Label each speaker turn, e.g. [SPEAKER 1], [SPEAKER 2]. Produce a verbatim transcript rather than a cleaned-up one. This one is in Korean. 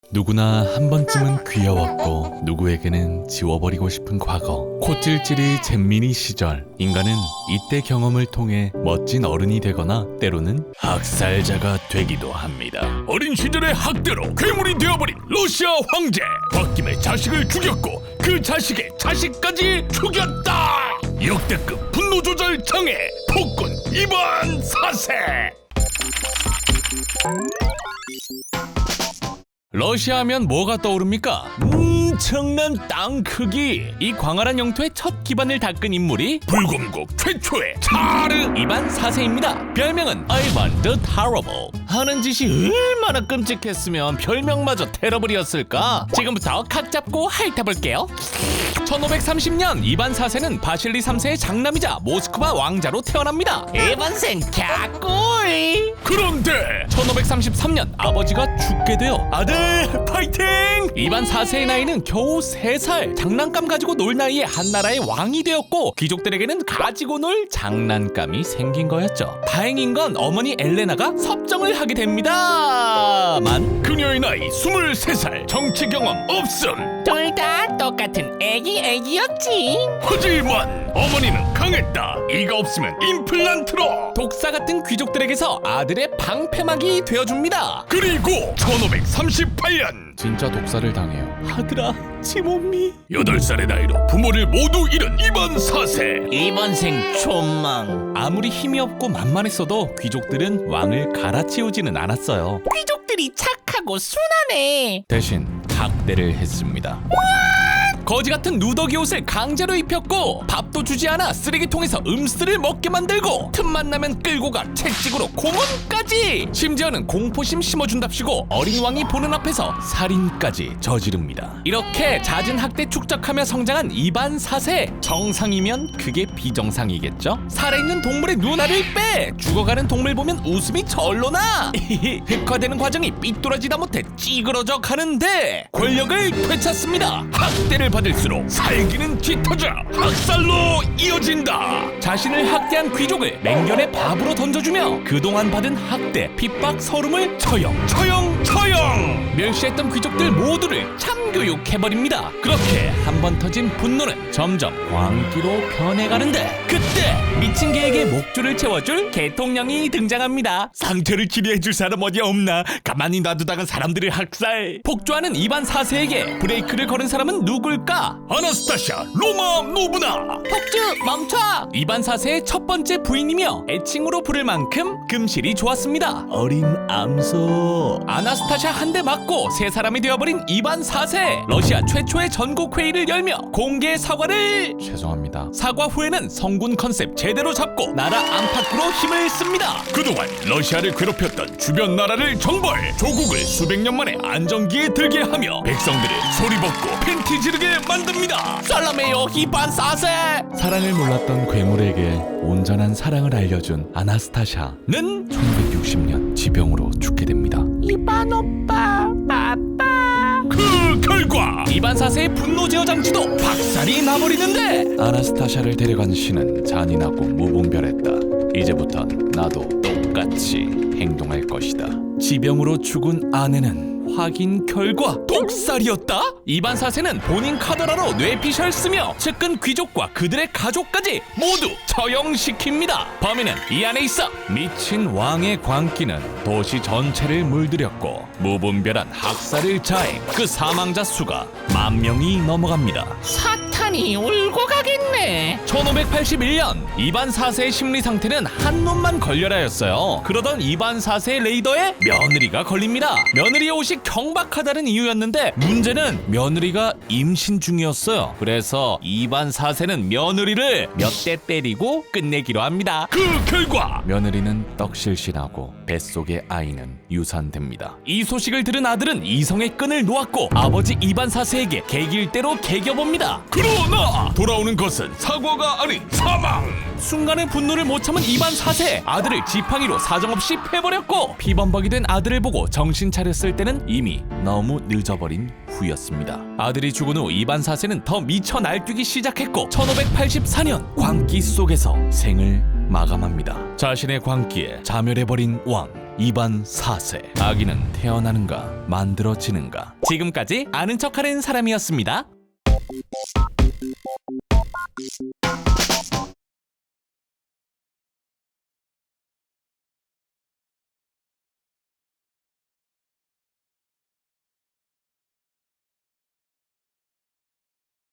[SPEAKER 1] 누구나 한 번쯤은 귀여웠고 누구에게는 지워버리고 싶은 과거. 코찔찔이 잼민이 시절, 인간은 이때 경험을 통해 멋진 어른이 되거나 때로는 학살자가 되기도 합니다. 어린 시절의 학대로 괴물이 되어버린 러시아 황제. 홧김에 자식을 죽였고 그 자식의 자식까지 죽였다. 역대급 분노조절 장애 폭군 이반 사 세. 러시아 하면 뭐가 떠오릅니까? 엄청난 땅 크기! 이 광활한 영토의 첫 기반을 닦은 인물이 불공국 최초의 차르 이반 사 세입니다. 별명은 아이반 the Terrible. 하는 짓이 얼마나 끔찍했으면 별명마저 테러블이었을까? 지금부터 각 잡고 핥아볼게요. 천오백삼십 년 이반 사 세는 바실리 삼 세의 장남이자 모스크바 왕자로 태어납니다. 이반생 갸꿀! 그런데 천오백삼십삼 년 아버지가 죽게 되어 아들 파이팅! 이반 사 세의 나이는 겨우 세 살. 장난감 가지고 놀 나이에 한나라의 왕이 되었고 귀족들에게는 가지고 놀 장난감이 생긴 거였죠. 다행인 건 어머니 엘레나가 섭정을 하게 됩니다만 그녀의 나이 스물세 살. 정치 경험 없음.
[SPEAKER 2] 둘 다 똑같은 애기 애기였지.
[SPEAKER 1] 하지만 어머니는 강했다. 이가 없으면 임플란트로. 독사 같은 귀족들에게서 아들의 방패막이 되어줍니다. 그리고 천오백삼십팔 년 진짜 독사를 당해요. 아들아, 지몸미. 여덟 살의 나이로 부모를 모두 잃은 이반 사 세.
[SPEAKER 2] 이번생 촌망.
[SPEAKER 1] 아무리 힘이 없고 만만했어도 귀족들은 왕을 갈아치우지는 않았어요.
[SPEAKER 2] 귀족들이 착하고 순하네.
[SPEAKER 1] 대신 학대를 했습니다. 거지 같은 누더기 옷을 강제로 입혔고 밥도 주지 않아 쓰레기통에서 음쓰를 먹게 만들고 틈만 나면 끌고 가 채찍으로 고문까지. 심지어는 공포심 심어준답시고 어린 왕이 보는 앞에서 살인까지 저지릅니다. 이렇게 잦은 학대 축적하며 성장한 이반 사 세. 정상이면 그게 비정상이겠죠? 살아있는 동물의 눈알을 빼 죽어가는 동물 보면 웃음이 절로 나. 흑화되는 과정이 삐뚤어지다 못해 찌그러져 가는데 권력을 되찾습니다. 학대를 받을수록 살기는 짙어져 학살로 이어진다. 자신을 학대한 귀족을 맹견의 밥으로 던져주며 그동안 받은 학대, 핍박, 서름을 처형, 처형, 처형! 멸시했던 귀족들 모두를 참교육해버립니다. 그렇게 한 번 터진 분노는 점점 광기로 변해가는데 그때 미친 개에게 목줄을 채워줄 개통령이 등장합니다. 상처를 치료해줄 사람 어디 없나? 가만히 놔두다가 사람들을 학살. 폭주하는 이반 사 세에게 브레이크를 걸은 사람은 누굴까? 아나스타샤 로마 노브나.
[SPEAKER 2] 폭주 멈춰.
[SPEAKER 1] 이반 사 세의 첫 번째 부인이며 애칭으로 부를 만큼 금실이 좋았습니다. 어린 암소. 아나스타샤 한 대 맞고 세 사람이 되어버린 이반 사 세. 러시아 최초의 전국 회의를 열며 공개 사과를. 죄송합니다. 사과 후에는 성군 컨셉 제대로 잡고 나라 안팎으로 힘을 씁니다. 그동안 러시아를 괴롭혔던 주변 나라를 정벌. 조국을 수백 년 만에 안정기에 들게 하며 백성들을 소리 벗고 팬티 지르게 만듭니다.
[SPEAKER 2] 썰럼해요 이반 사 세.
[SPEAKER 1] 사랑을 몰랐던 괴물에게 온전한 사랑을 알려준 아나스타샤는 천구백육십 년 지병으로 죽게 됩니다.
[SPEAKER 2] 이반 오빠 아빠.
[SPEAKER 1] 그 결과 이반 사 세의 분노 제어 장치도 박살이 나버리는데 아나스타샤를 데려간 신은 잔인하고 무분별했다. 이제부턴 나도 똑같이 행동할 것이다. 지병으로 죽은 아내는 확인 결과 독살이었다? 이반 사 세는 본인 카더라로 뇌피셜 쓰며 측근 귀족과 그들의 가족까지 모두 처형시킵니다. 범인은 이 안에 있어. 미친 왕의 광기는 도시 전체를 물들였고 무분별한 학살을 자해 그 사망자 수가 만 명이 넘어갑니다.
[SPEAKER 2] 사탄이 울고 가겠네.
[SPEAKER 1] 천오백팔십일 년 이반 사 세의 심리 상태는 한 놈만 걸려라였어요. 그러던 이반 사 세의 레이더에 며느리가 걸립니다. 며느리의 옷이 경박하다는 이유였는데 문제는 며느리가 임신 중이었어요. 그래서 이반 사 세는 며느리를 몇 대 때리고 끝내기로 합니다. 그 결과 며느리는 떡실신하고 뱃속의 아이는 유산됩니다. 이 소식을 들은 아들은 이성의 끈을 놓았고 아버지 이반 사 세에게 개길대로 개겨봅니다. 그러나 돌아오는 것은 사과가 아닌 사망. 순간의 분노를 못 참은 이반 사 세. 아들을 지팡이로 사정없이 패버렸고 피범벅이 된 아들을 보고 정신 차렸을 때는 이미 너무 늦어버린 후였습니다. 아들이 죽은 후 이반 사 세는 더 미쳐 날뛰기 시작했고 천오백팔십사 년 광기 속에서 생을 마감합니다. 자신의 광기에 자멸해버린 왕 입안 사세. 아기는 태어나는가 만들어지는가. 지금까지 아는 척하는 사람이었습니다.